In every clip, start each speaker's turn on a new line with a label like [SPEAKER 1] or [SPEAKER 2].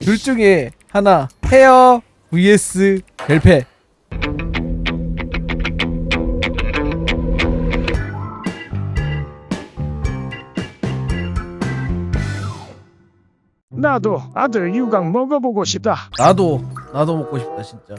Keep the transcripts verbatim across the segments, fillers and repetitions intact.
[SPEAKER 1] 둘 중에 하나. 헤어 vs 벨페.
[SPEAKER 2] 나도 아들 유광 먹어보고 싶다.
[SPEAKER 1] 나도 나도 먹고 싶다 진짜.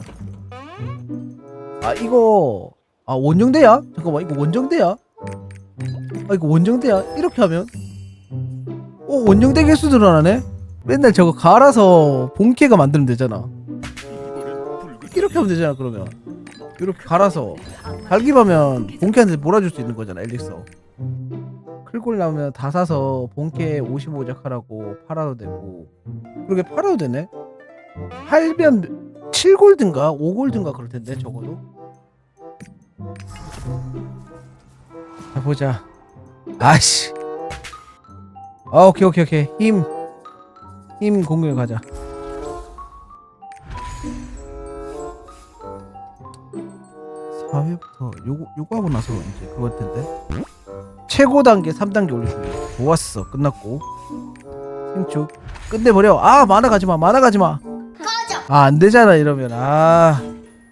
[SPEAKER 1] 아 이거 아 원정대야? 잠깐만 이거 원정대야? 아 이거 원정대야? 이렇게 하면 어 원정대 개수 늘어나네? 맨날 저거 갈아서 본캐가 만들면 되잖아. 이렇게 하면 되잖아. 그러면 이렇게 갈아서 갈기하면 본캐한테 몰아줄 수 있는 거잖아. 엘릭서 클골 나오면 다 사서 본캐 오십오 작 하라고 팔아도 되고. 그렇게 팔아도 되네. 팔면 칠 골드인가 오 골드인가 그럴 텐데 적어도. 자 보자. 아씨. 아 오케이 오케이 오케이 힘. 힘 공격 가자. 사 회부터 요거 요거 하고 나서 이제 그걸 텐데. 최고 단계 삼 단계 올려줄래. 좋았어. 끝났고 생축 끝내버려. 아 만화 가지마 만화 가지마. 아 안되잖아 이러면. 아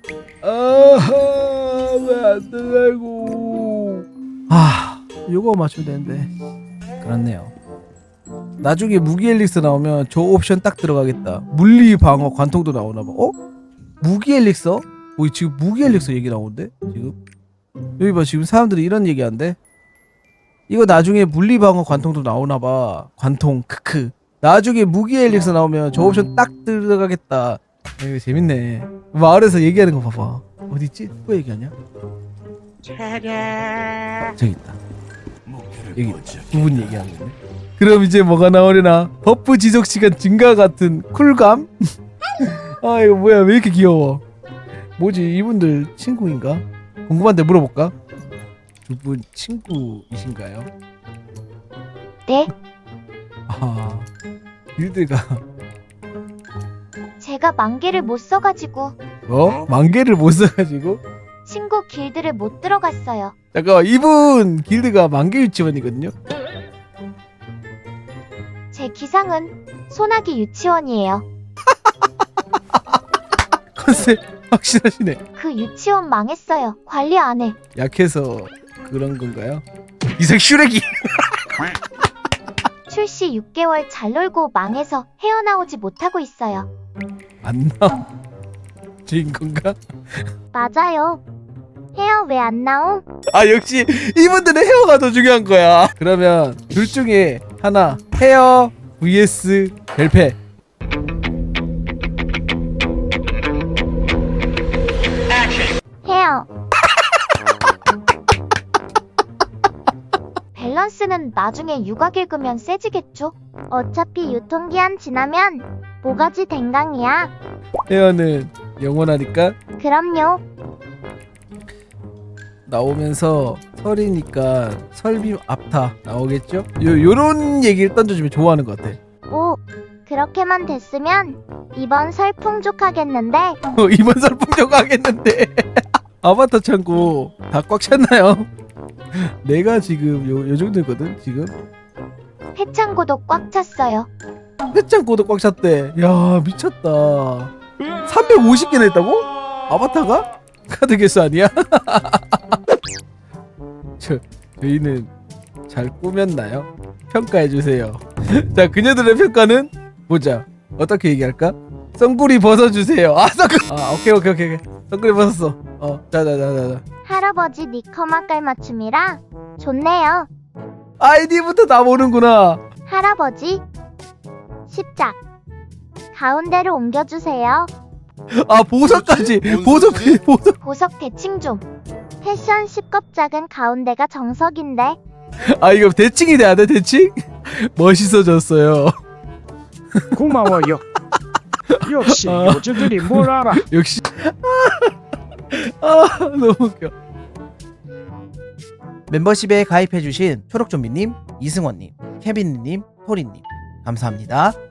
[SPEAKER 1] 아하 왜 안되냐고. 아 요거 맞추면 되는데. 그렇네요. 나중에 무기 엘릭스 나오면 저 옵션 딱 들어가겠다. 물리 방어 관통도 나오나봐. 어? 무기 엘릭서? 어 지금 무기 엘릭서 얘기 나오는데 지금 여기 봐. 지금 사람들이 이런 얘기 한대. 이거 나중에 물리 방어 관통도 나오나봐. 관통 크크. 나중에 무기 엘릭서 나오면 저 옵션 딱 들어가겠다. 이거 재밌네. 마을에서 얘기하는 거 봐봐. 어디있지? 누가 얘기하냐? 어, 저기 있다. 여기 두 분 얘기하는 거네. 그럼 이제 뭐가 나오려나? 버프 지속 시간 증가 같은 쿨감? 아 이거 뭐야 왜 이렇게 귀여워. 뭐지 이분들 친구인가? 궁금한데 물어볼까? 두 분 친구이신가요?
[SPEAKER 3] 네,
[SPEAKER 1] 아 길드가
[SPEAKER 3] 제가 만개를 못 써가지고
[SPEAKER 1] 어? 만개를 못 써가지고?
[SPEAKER 3] 친구 길드를 못 들어갔어요.
[SPEAKER 1] 잠깐만 이분 길드가 만개 유치원이거든요?
[SPEAKER 3] 제 기상은 소나기 유치원이에요.
[SPEAKER 1] 컨셉 확실하시네.
[SPEAKER 3] 그 유치원 망했어요. 관리 안 해.
[SPEAKER 1] 약해서 그런 건가요? 이색 슈렉이.
[SPEAKER 3] 출시 육 개월 잘 놀고 망해서 헤어나오지 못하고 있어요.
[SPEAKER 1] 안 나와. 주인 건가?
[SPEAKER 3] 맞아요. 헤어 왜 안 나옴?
[SPEAKER 1] 아 역시 이분들은 헤어가 더 중요한 거야. 그러면 둘 중에 하나. 헤어 vs 벨페.
[SPEAKER 3] 헤어. 밸런스는 나중에 육아 읽으면 세지겠죠? 어차피 유통기한 지나면 모가지 댕강이야.
[SPEAKER 1] 헤어는 영원하니까.
[SPEAKER 3] 그럼요.
[SPEAKER 1] 나오면서 설이니까 설빔 앞타 나오겠죠? 요, 요런 얘기를 던져주면 좋아하는 것 같아.
[SPEAKER 3] 오, 그렇게만 됐으면 이번 설 풍족하겠는데.
[SPEAKER 1] 어, 이번 설 풍족하겠는데. 아바타 창고 다 꽉 찼나요? 내가 지금 요, 요 정도거든 지금.
[SPEAKER 3] 회창고도 꽉 찼어요.
[SPEAKER 1] 회창고도 꽉 찼대. 야 미쳤다. 삼백오십 개나 했다고? 아바타가? 카드 개수 아니야? 저, 저희는 잘 꾸몄나요? 평가해주세요. 자 그녀들의 평가는 보자. 어떻게 얘기할까? 썬구리 벗어주세요. 아 썬구리. 아 오케이 오케이 오케이 썬구리 벗었어. 어 자자자자자.
[SPEAKER 3] 할아버지 니커마 깔맞춤이라 좋네요.
[SPEAKER 1] 아이디부터 다 모르는구나.
[SPEAKER 3] 할아버지 십작 가운데로 옮겨주세요.
[SPEAKER 1] 아 보석까지. 보석 보석.
[SPEAKER 3] 보석 대칭 좀. 패션 십겁작은 가운데가 정석인데.
[SPEAKER 1] 아 이거 대칭이 돼야 돼 대칭? 멋있어졌어요.
[SPEAKER 2] 고마워요. 역시
[SPEAKER 1] 아.
[SPEAKER 2] 요즘들이 뭘 알아.
[SPEAKER 1] 역시. 아 너무 웃겨. 멤버십에 가입해주신 초록좀비님, 이승원님, 케빈님, 토리님 감사합니다.